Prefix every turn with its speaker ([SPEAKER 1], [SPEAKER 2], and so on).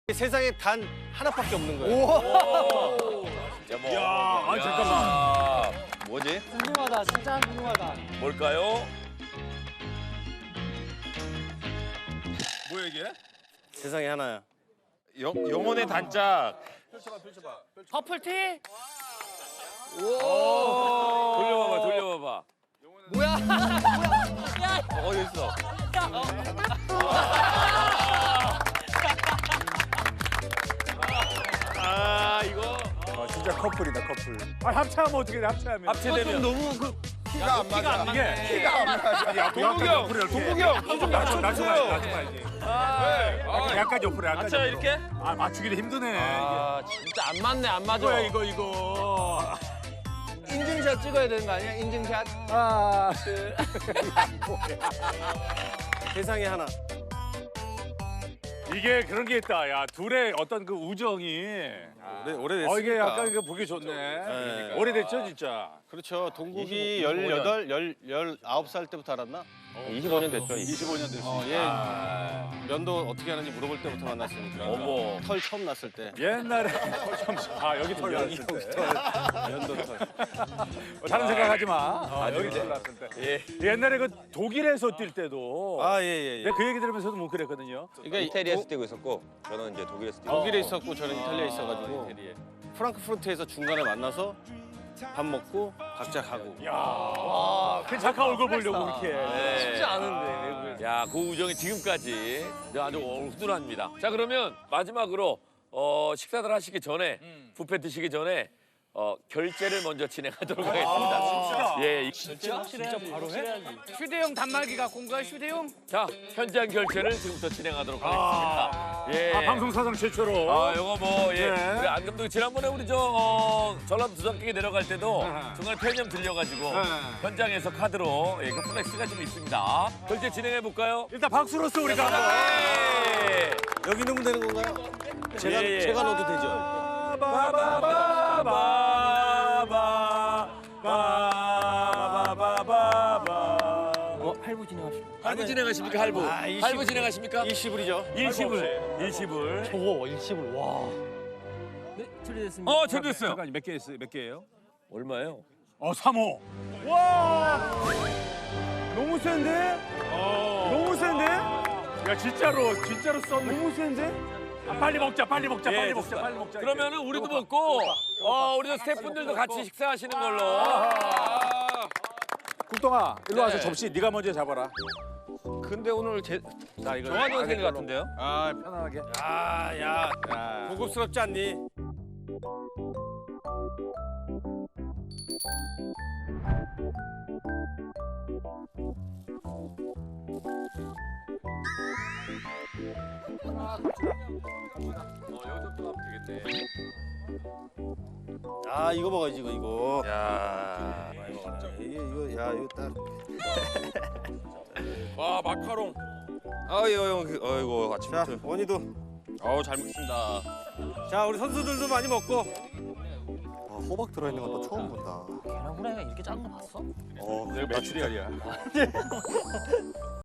[SPEAKER 1] 세상에 단 하나밖에 없는 거예요.
[SPEAKER 2] 야, 잠깐만.
[SPEAKER 3] 뭐지?
[SPEAKER 4] 궁금하다. 진짜 궁금하다.
[SPEAKER 2] 뭘까요? 뭐야 이게?
[SPEAKER 1] 세상에 하나야.
[SPEAKER 2] 영혼의 단짝.
[SPEAKER 4] 퍼플티?
[SPEAKER 2] 돌려봐봐, 돌려봐봐.
[SPEAKER 4] 뭐야?
[SPEAKER 2] 어디 있어? 아 이거
[SPEAKER 5] 진짜 커플이다 커플. 아 합체하면 어떻게 돼? 합체하면.
[SPEAKER 2] 합체되면
[SPEAKER 1] 너무 그
[SPEAKER 3] 키가 안 맞아.
[SPEAKER 5] 이게
[SPEAKER 3] 키가 안 맞아.
[SPEAKER 2] 동국이 형, 동국이 형, 좀 낮춰주세요.
[SPEAKER 5] 낮춰봐야지.
[SPEAKER 2] 네.
[SPEAKER 5] 약간 옆으로 약간.
[SPEAKER 2] 맞춰
[SPEAKER 5] 옆으로.
[SPEAKER 2] 이렇게?
[SPEAKER 5] 아 맞추기도 힘드네.
[SPEAKER 4] 아, 진짜 안 맞네, 안 맞아.
[SPEAKER 5] 이거야 이거.
[SPEAKER 4] 인증샷 찍어야 되는 거 아니야? 인증샷?
[SPEAKER 5] 아.
[SPEAKER 1] 세상에 하나.
[SPEAKER 5] 이게 그런 게 있다. 야 둘의 어떤 그 우정이.
[SPEAKER 1] 오래됐으니까.
[SPEAKER 5] 이게 약간 그 보기 좋네.
[SPEAKER 1] 네.
[SPEAKER 5] 오래됐죠 진짜.
[SPEAKER 1] 그렇죠. 동국이 18, 19살 때부터 알았나?
[SPEAKER 3] 25년 됐죠.
[SPEAKER 5] 25년 됐어.
[SPEAKER 1] 예. 면도 어떻게 하는지 물어볼 때부터 만났으니까.
[SPEAKER 2] 어머.
[SPEAKER 1] 털 처음 났을 때.
[SPEAKER 5] 옛날에 여기 털
[SPEAKER 1] 여기
[SPEAKER 5] 났을 때.
[SPEAKER 1] 면도 털.
[SPEAKER 5] 다른 생각하지 마. 여기 털 났을 때.
[SPEAKER 2] 예.
[SPEAKER 5] 옛날에 그 독일에서 뛸 때도.
[SPEAKER 1] 아, 예.
[SPEAKER 5] 내가 그 얘기 들으면서도 뭉클했거든요.
[SPEAKER 1] 그러니까
[SPEAKER 3] 이태리에서 뛰고 있었고 저는 이제 독일에서 뛰고.
[SPEAKER 1] 독일에 있었고 저는 이탈리아에 있어가지고 프랑크푸르트에서 중간에 만나서 밥 먹고 각자 가고.
[SPEAKER 5] 야, 그 착한 얼굴 보려고 이렇게.
[SPEAKER 4] 쉽지 않은데, 외국에.
[SPEAKER 2] 야, 그 우정이 지금까지 아주 훈훈합니다. 자, 그러면 마지막으로 식사들 하시기 전에 뷔페 드시기 전에 결제를 먼저 진행하도록 하겠습니다. 예,
[SPEAKER 4] 진짜 바로 해? 휴대용 단말기 갖고 온 거야, 휴대용?
[SPEAKER 2] 자, 현장 결제를 지금부터 진행하도록 하겠습니다. 예.
[SPEAKER 5] 방송 사상 최초로.
[SPEAKER 2] 아, 요거 뭐, 예.
[SPEAKER 5] 네.
[SPEAKER 2] 우리 안 감독이 지난번에 우리 전라도 두산객에 내려갈 때도 중간에 편의점 들려가지고 현장에서 카드로 그 플렉스가 좀 있습니다. 결제 진행해볼까요?
[SPEAKER 5] 일단 박수로서 우리가 한번.
[SPEAKER 2] 예.
[SPEAKER 1] 여기 넣으면 되는 건가요? 제가,
[SPEAKER 2] 예, 예.
[SPEAKER 1] 제가 넣어도 되죠?
[SPEAKER 4] 할부 진행합시다.
[SPEAKER 2] 할부 진행하십니까, 할부?
[SPEAKER 1] 아, 일시불.
[SPEAKER 2] 할부 진행하십니까?
[SPEAKER 1] 일시불이죠.
[SPEAKER 2] 일시불.
[SPEAKER 4] 저거 일시불, 와. 네, 처리됐습니다.
[SPEAKER 2] 처리됐어요.
[SPEAKER 5] 잠깐 몇 개예요?
[SPEAKER 2] 얼마예요?
[SPEAKER 5] 3호. 와! 너무 센데? 너무 센데? 야 진짜로 썼네. 너무 센데? 빨리 먹자.
[SPEAKER 2] 예,
[SPEAKER 5] 빨리
[SPEAKER 2] 좋습니다.
[SPEAKER 5] 먹자.
[SPEAKER 2] 그러면은 우리도 먹고, 우리 스태프분들도 같이 식사하시는 걸로.
[SPEAKER 5] 국동아, 일로 와서
[SPEAKER 2] 네.
[SPEAKER 5] 접시 네가 먼저 잡아라.
[SPEAKER 3] 근데 오늘
[SPEAKER 5] 자, 이거
[SPEAKER 3] 정한이 형 생일 같은데요?
[SPEAKER 5] 아, 편안하게.
[SPEAKER 1] 야, 고급스럽지 않니?
[SPEAKER 2] 여기서부터 가면 되겠네.
[SPEAKER 1] 아, 이거 먹어야지, 이거.
[SPEAKER 2] 야,
[SPEAKER 1] 이거 딱.
[SPEAKER 2] 와, 마카롱.
[SPEAKER 3] 아이고
[SPEAKER 1] 자,
[SPEAKER 3] 아침부터.
[SPEAKER 1] 원희도.
[SPEAKER 3] 잘 먹겠습니다.
[SPEAKER 1] 자, 우리 선수들도 많이 먹고.
[SPEAKER 6] 호박 들어있는 건 또 처음 본다.
[SPEAKER 4] 계란 후라이가 이렇게 작은 거 봤어?
[SPEAKER 5] 내가 매출이야.